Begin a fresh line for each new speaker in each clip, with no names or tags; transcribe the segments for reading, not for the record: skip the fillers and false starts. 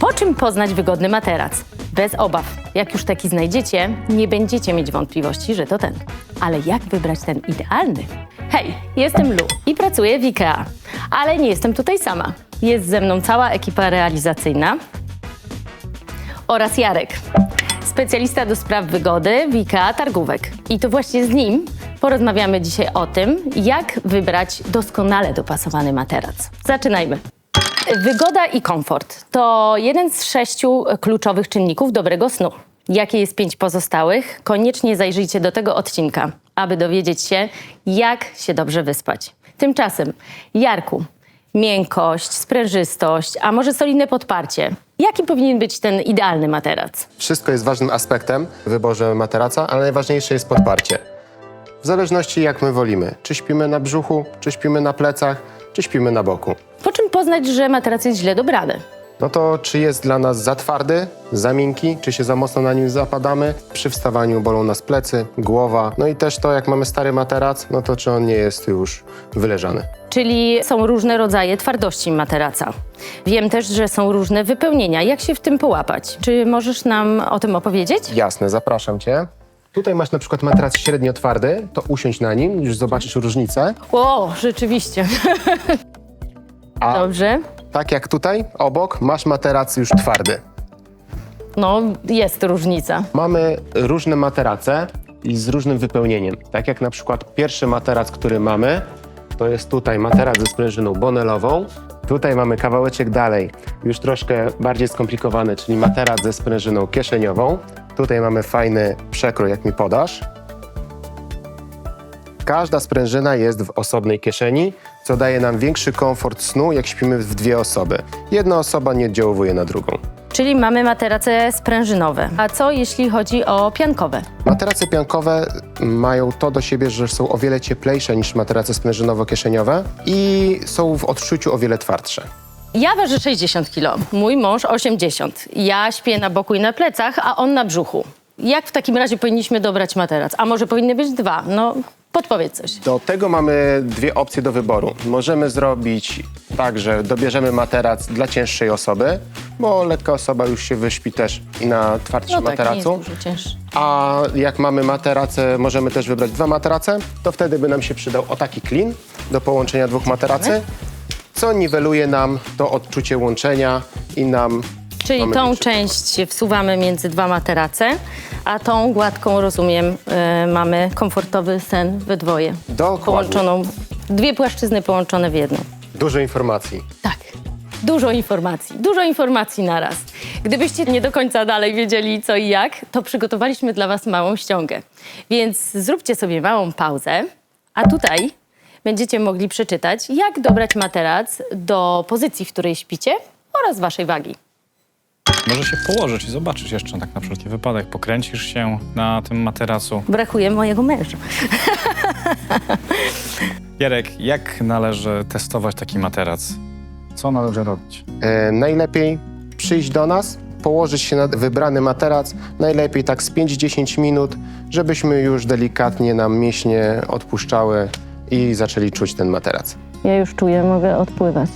Po czym poznać wygodny materac? Bez obaw. Jak już taki znajdziecie, nie będziecie mieć wątpliwości, że to ten. Ale jak wybrać ten idealny? Hej, jestem Lu i pracuję w IKEA. Ale nie jestem tutaj sama. Jest ze mną cała ekipa realizacyjna oraz Jarek, specjalista do spraw wygody w IKEA Targówek. I to właśnie z nim porozmawiamy dzisiaj o tym, jak wybrać doskonale dopasowany materac. Zaczynajmy. Wygoda i komfort to jeden z 6 kluczowych czynników dobrego snu. Jakie jest 5 pozostałych? Koniecznie zajrzyjcie do tego odcinka, aby dowiedzieć się, jak się dobrze wyspać. Tymczasem, Jarku, miękkość, sprężystość, a może solidne podparcie. Jaki powinien być ten idealny materac?
Wszystko jest ważnym aspektem w wyborze materaca, ale najważniejsze jest podparcie. W zależności jak my wolimy. Czy śpimy na brzuchu, czy śpimy na plecach, czy śpimy na boku.
Po czym poznać, że materac jest źle dobrany?
No to czy jest dla nas za twardy, za miękki, czy się za mocno na nim zapadamy. Przy wstawaniu bolą nas plecy, głowa. No i też to, jak mamy stary materac, no to czy on nie jest już wyleżany.
Czyli są różne rodzaje twardości materaca. Wiem też, że są różne wypełnienia. Jak się w tym połapać? Czy możesz nam o tym opowiedzieć?
Jasne, zapraszam Cię. Tutaj masz na przykład materac średnio twardy, to usiądź na nim, już zobaczysz różnicę.
O, rzeczywiście.
A
Dobrze.
tak jak tutaj, obok, masz materac już twardy.
No, jest różnica.
Mamy różne materace i z różnym wypełnieniem. Tak jak na przykład pierwszy materac, który mamy, to jest tutaj materac ze sprężyną bonelową. Tutaj mamy kawałeczek dalej, już troszkę bardziej skomplikowany, czyli materac ze sprężyną kieszeniową. Tutaj mamy fajny przekrój, jak mi podasz. Każda sprężyna jest w osobnej kieszeni, co daje nam większy komfort snu, jak śpimy w 2 osoby. Jedna osoba nie oddziałuje na drugą.
Czyli mamy materace sprężynowe. A co jeśli chodzi o piankowe?
Materace piankowe mają to do siebie, że są o wiele cieplejsze niż materace sprężynowo-kieszeniowe i są w odczuciu o wiele twardsze.
Ja ważę 60 kg, mój mąż 80. Ja śpię na boku i na plecach, a on na brzuchu. Jak w takim razie powinniśmy dobrać materac? A może powinny być 2? No, podpowiedz coś.
Do tego mamy 2 opcje do wyboru. Możemy zrobić tak, że dobierzemy materac dla cięższej osoby, bo lekka osoba już się wyśpi też i na twardszym
No tak, nie jest
materacu.
dużo cięższy.
A jak mamy materace, możemy też wybrać 2 materace, to wtedy by nam się przydał o taki klin do połączenia 2 materacy, co niweluje nam to odczucie łączenia i nam...
Czyli
mamy
tą
większy
część wsuwamy między 2 materace, a tą gładką, rozumiem, mamy komfortowy sen we dwoje.
Dokładnie.
Połączoną, 2 płaszczyzny połączone w jedną.
Dużo informacji.
Tak, dużo informacji naraz. Gdybyście nie do końca dalej wiedzieli co i jak, to przygotowaliśmy dla was małą ściągę. Więc zróbcie sobie małą pauzę, a tutaj będziecie mogli przeczytać, jak dobrać materac do pozycji, w której śpicie oraz waszej wagi.
Może się położyć i zobaczyć jeszcze tak na wszelki wypadek. Pokręcisz się na tym materacu.
Brakuje mojego męża.
Jarek, jak należy testować taki materac? Co należy robić?
Najlepiej przyjść do nas, położyć się na wybrany materac, najlepiej tak z 5-10 minut, żebyśmy już delikatnie nam mięśnie odpuszczały i zaczęli czuć ten materac.
Ja już czuję, mogę odpływać.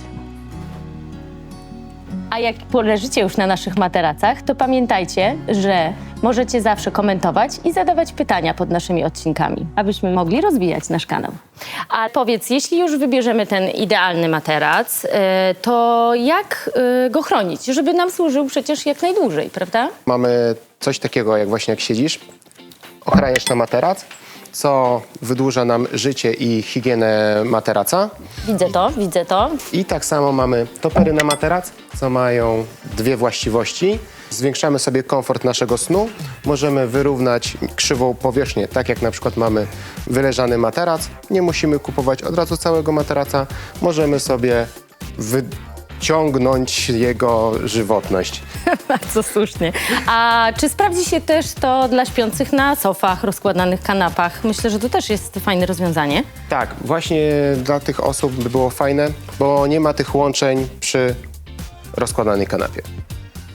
A jak poleżycie już na naszych materacach, to pamiętajcie, że możecie zawsze komentować i zadawać pytania pod naszymi odcinkami, abyśmy mogli rozwijać nasz kanał. A powiedz, jeśli już wybierzemy ten idealny materac, to jak go chronić, żeby nam służył przecież jak najdłużej, prawda?
Mamy coś takiego, jak właśnie jak siedzisz, ochraniasz na materac, co wydłuża nam życie i higienę materaca.
Widzę to.
I tak samo mamy topery na materac, co mają 2 właściwości. Zwiększamy sobie komfort naszego snu, możemy wyrównać krzywą powierzchnię, tak jak na przykład mamy wyleżany materac. Nie musimy kupować od razu całego materaca, możemy sobie wyciągnąć jego żywotność.
Bardzo słusznie. A czy sprawdzi się też to dla śpiących na sofach, rozkładanych kanapach? Myślę, że to też jest fajne rozwiązanie.
Tak, właśnie dla tych osób by było fajne, bo nie ma tych łączeń przy rozkładanej kanapie.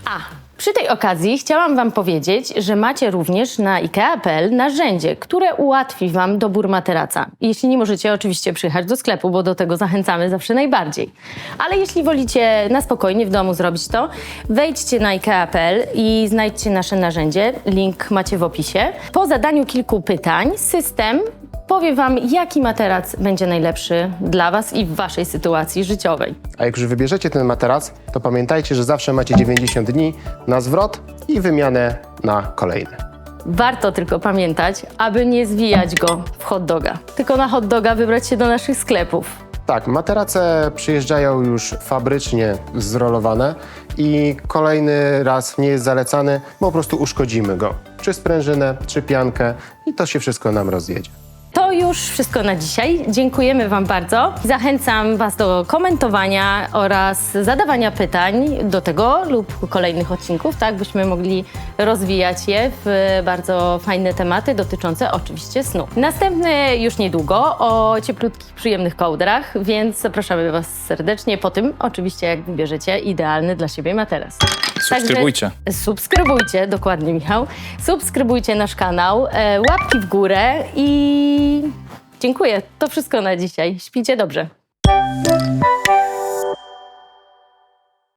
Przy tej okazji chciałam Wam powiedzieć, że macie również na IKEA.pl narzędzie, które ułatwi Wam dobór materaca. Jeśli nie możecie oczywiście przyjechać do sklepu, bo do tego zachęcamy zawsze najbardziej. Ale jeśli wolicie na spokojnie w domu zrobić to, wejdźcie na IKEA.pl i znajdźcie nasze narzędzie. Link macie w opisie. Po zadaniu kilku pytań system powie Wam, jaki materac będzie najlepszy dla Was i w Waszej sytuacji życiowej.
A jak już wybierzecie ten materac, to pamiętajcie, że zawsze macie 90 dni na zwrot i wymianę na kolejny.
Warto tylko pamiętać, aby nie zwijać go w hot doga, tylko na hot doga wybrać się do naszych sklepów.
Tak, materace przyjeżdżają już fabrycznie zrolowane i kolejny raz nie jest zalecany, bo po prostu uszkodzimy go. Czy sprężynę, czy piankę i to się wszystko nam rozjedzie.
To już wszystko na dzisiaj. Dziękujemy Wam bardzo. Zachęcam Was do komentowania oraz zadawania pytań do tego lub kolejnych odcinków, tak byśmy mogli rozwijać je w bardzo fajne tematy dotyczące oczywiście snu. Następny już niedługo o cieplutkich, przyjemnych kołdrach, więc zapraszamy Was serdecznie. Po tym oczywiście, jak wybierzecie idealny dla siebie materac.
Subskrybujcie.
Także subskrybujcie, dokładnie Michał. Subskrybujcie nasz kanał, łapki w górę i dziękuję. To wszystko na dzisiaj. Śpijcie dobrze.